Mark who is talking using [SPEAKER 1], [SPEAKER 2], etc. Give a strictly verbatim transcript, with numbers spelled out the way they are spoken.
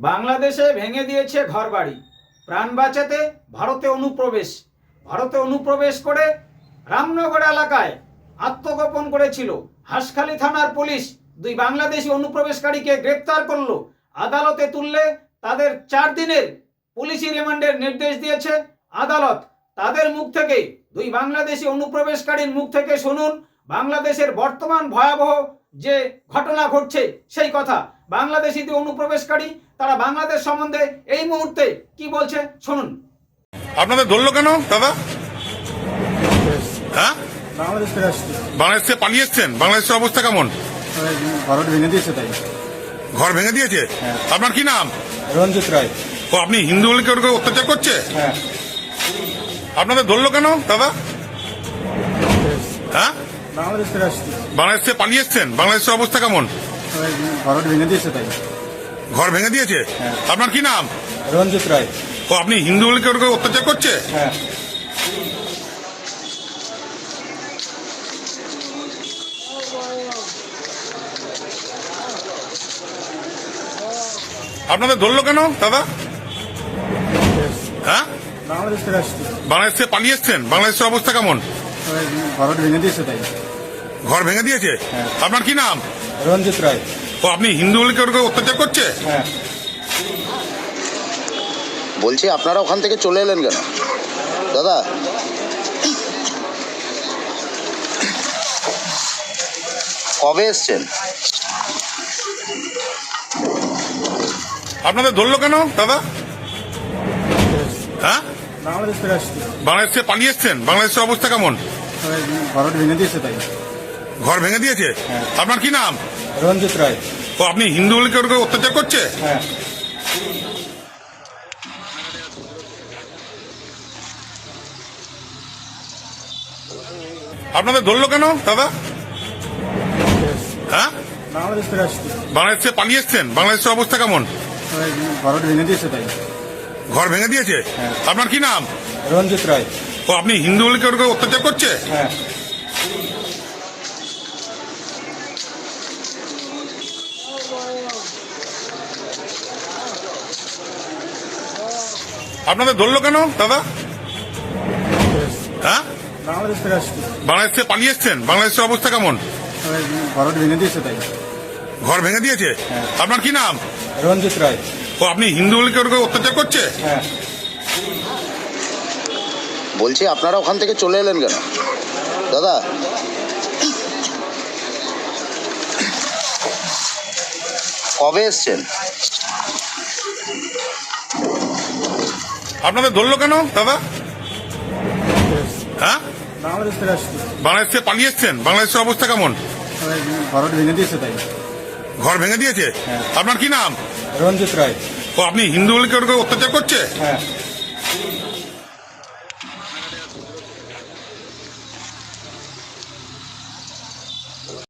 [SPEAKER 1] বাংলাদেশে ভেঙে দিয়েছে ঘরবাড়ি, প্রাণ বাঁচাতে ভারতে অনুপ্রবেশ। ভারতে অনুপ্রবেশ করে রামনগর এলাকায় আত্মগোপন করেছিল। হাঁসখালী থানার পুলিশ দুই বাংলাদেশি অনুপ্রবেশকারীকে গ্রেপ্তার করলো। আদালতে তুললে তাদের চার দিনের পুলিশি রিমান্ডের নির্দেশ দিয়েছে আদালত। তাদের মুখ থেকে, দুই বাংলাদেশি অনুপ্রবেশকারীর মুখ থেকে শুনুন বাংলাদেশের বর্তমান ভয়াবহ যে ঘটনা ঘটছে সেই কথা। বাংলাদেশি যে অনুপ্রবেশকারী তারা বাংলাদেশ সম্বন্ধে এই মুহূর্তে কি বলছে শুনুন।
[SPEAKER 2] আপনাদের ধরলো কেন দাদা? হ্যাঁ,
[SPEAKER 3] বাংলাদেশ ফিরে আসছি।
[SPEAKER 2] বাংলাদেশ থেকে পালিয়ে এসছেন? বাংলাদেশের অবস্থা কেমন?
[SPEAKER 3] ঘর ভেঙে দিয়েছে তাই।
[SPEAKER 2] ঘর ভেঙে দিয়েছে?
[SPEAKER 3] হ্যাঁ।
[SPEAKER 2] আপনার কি নাম?
[SPEAKER 3] রঞ্জিত রায়।
[SPEAKER 2] ও, আপনি হিন্দু বলে কেউ কেউ অত্যাচার করছে?
[SPEAKER 3] হ্যাঁ।
[SPEAKER 2] আপনাদের ধরলো কেন দাদা? হ্যাঁ,
[SPEAKER 3] বাংলাদেশ ফিরে আসছি।
[SPEAKER 2] বাংলাদেশ থেকে পালিয়ে এসছেন? বাংলাদেশের অবস্থা কেমন?
[SPEAKER 3] ঘর ভেঙে দিয়েছে তাই।
[SPEAKER 2] ঘর ভেঙে দিয়েছে?
[SPEAKER 3] হ্যাঁ।
[SPEAKER 2] আপনার কি নাম?
[SPEAKER 3] রঞ্জিত রায়।
[SPEAKER 2] ও, আপনি হিন্দু বলে কেউ কেউ অত্যাচার করছে?
[SPEAKER 3] হ্যাঁ।
[SPEAKER 2] আপনাদের ধরলো কেন দাদা? হ্যাঁ,
[SPEAKER 3] বাংলাদেশ ফিরে আসছি।
[SPEAKER 2] বাংলাদেশ থেকে পালিয়ে এসছেন? বাংলাদেশের অবস্থা কেমন?
[SPEAKER 3] ঘর ভেঙে দিয়েছে তাই।
[SPEAKER 2] ঘর ভেঙে দিয়েছে?
[SPEAKER 3] হ্যাঁ।
[SPEAKER 2] আপনার কি নাম?
[SPEAKER 3] রঞ্জিত রায়।
[SPEAKER 2] ও, আপনি হিন্দু বলে কেউ কেউ অত্যাচার করছে?
[SPEAKER 3] হ্যাঁ।
[SPEAKER 4] বলছি আপনারা ওখান থেকে চলে এলেন কেন দাদা? কবে এসছেন?
[SPEAKER 2] আপনাদের ধরলো কেন দাদা? হ্যাঁ,
[SPEAKER 3] বাংলাদেশ ফিরে আসছি।
[SPEAKER 2] বাংলাদেশ থেকে পালিয়ে এসছেন? বাংলাদেশের অবস্থা কেমন?
[SPEAKER 3] ঘর ভেঙে দিয়েছে তাই।
[SPEAKER 2] ঘর ভেঙে দিয়েছে?
[SPEAKER 3] হ্যাঁ।
[SPEAKER 2] আপনার কি নাম?
[SPEAKER 3] রঞ্জিত রায়।
[SPEAKER 2] ও, আপনি হিন্দু বলে কেউ কেউ অত্যাচার করছে?
[SPEAKER 3] হ্যাঁ।
[SPEAKER 2] আপনাদের ধরলো কেন দাদা? হ্যাঁ,
[SPEAKER 3] বাংলাদেশ ফিরে আসছি।
[SPEAKER 2] বাংলাদেশ থেকে পালিয়ে এসছেন? বাংলাদেশের অবস্থা কেমন?
[SPEAKER 3] ঘর ভেঙে দিয়েছে তাই।
[SPEAKER 2] ঘর ভেঙে দিয়েছে?
[SPEAKER 3] হ্যাঁ।
[SPEAKER 2] আপনার কি নাম?
[SPEAKER 3] রঞ্জিত রায়।
[SPEAKER 2] ও, আপনি হিন্দু বলে কেউ কেউ অত্যাচার করছে?
[SPEAKER 3] হ্যাঁ।
[SPEAKER 2] আপনাদের ধরলো কেন দাদা? হ্যাঁ,
[SPEAKER 3] বাংলাদেশ ফিরে আসছি।
[SPEAKER 2] বাংলাদেশ থেকে পালিয়ে এসছেন? বাংলাদেশের অবস্থা কেমন?
[SPEAKER 3] ঘর ভেঙে দিয়েছে তাই।
[SPEAKER 2] ঘর ভেঙে দিয়েছে?
[SPEAKER 3] হ্যাঁ।
[SPEAKER 2] আপনার কি নাম?
[SPEAKER 3] রঞ্জিত রায়।
[SPEAKER 2] ও, আপনি হিন্দু বলে কেউ কেউ অত্যাচার করছে?
[SPEAKER 3] হ্যাঁ।
[SPEAKER 4] বলছি আপনারা ওখান থেকে চলে এলেন কেন দাদা? কবে এসছেন?
[SPEAKER 2] আপনাদের ধরলো কেন দাদা? হ্যাঁ,
[SPEAKER 3] বাংলাদেশ ফিরে আসছি।
[SPEAKER 2] বাংলাদেশ থেকে পালিয়ে এসছেন? বাংলাদেশের অবস্থা কেমন?
[SPEAKER 3] ঘর ভেঙে দিয়েছে তাই।
[SPEAKER 2] ঘর ভেঙে দিয়েছে?
[SPEAKER 3] হ্যাঁ।
[SPEAKER 2] আপনার কি নাম?
[SPEAKER 3] রঞ্জিত রায়।
[SPEAKER 2] ও, আপনি হিন্দু বলে কেউ কেউ অত্যাচার করছে?
[SPEAKER 3] হ্যাঁ।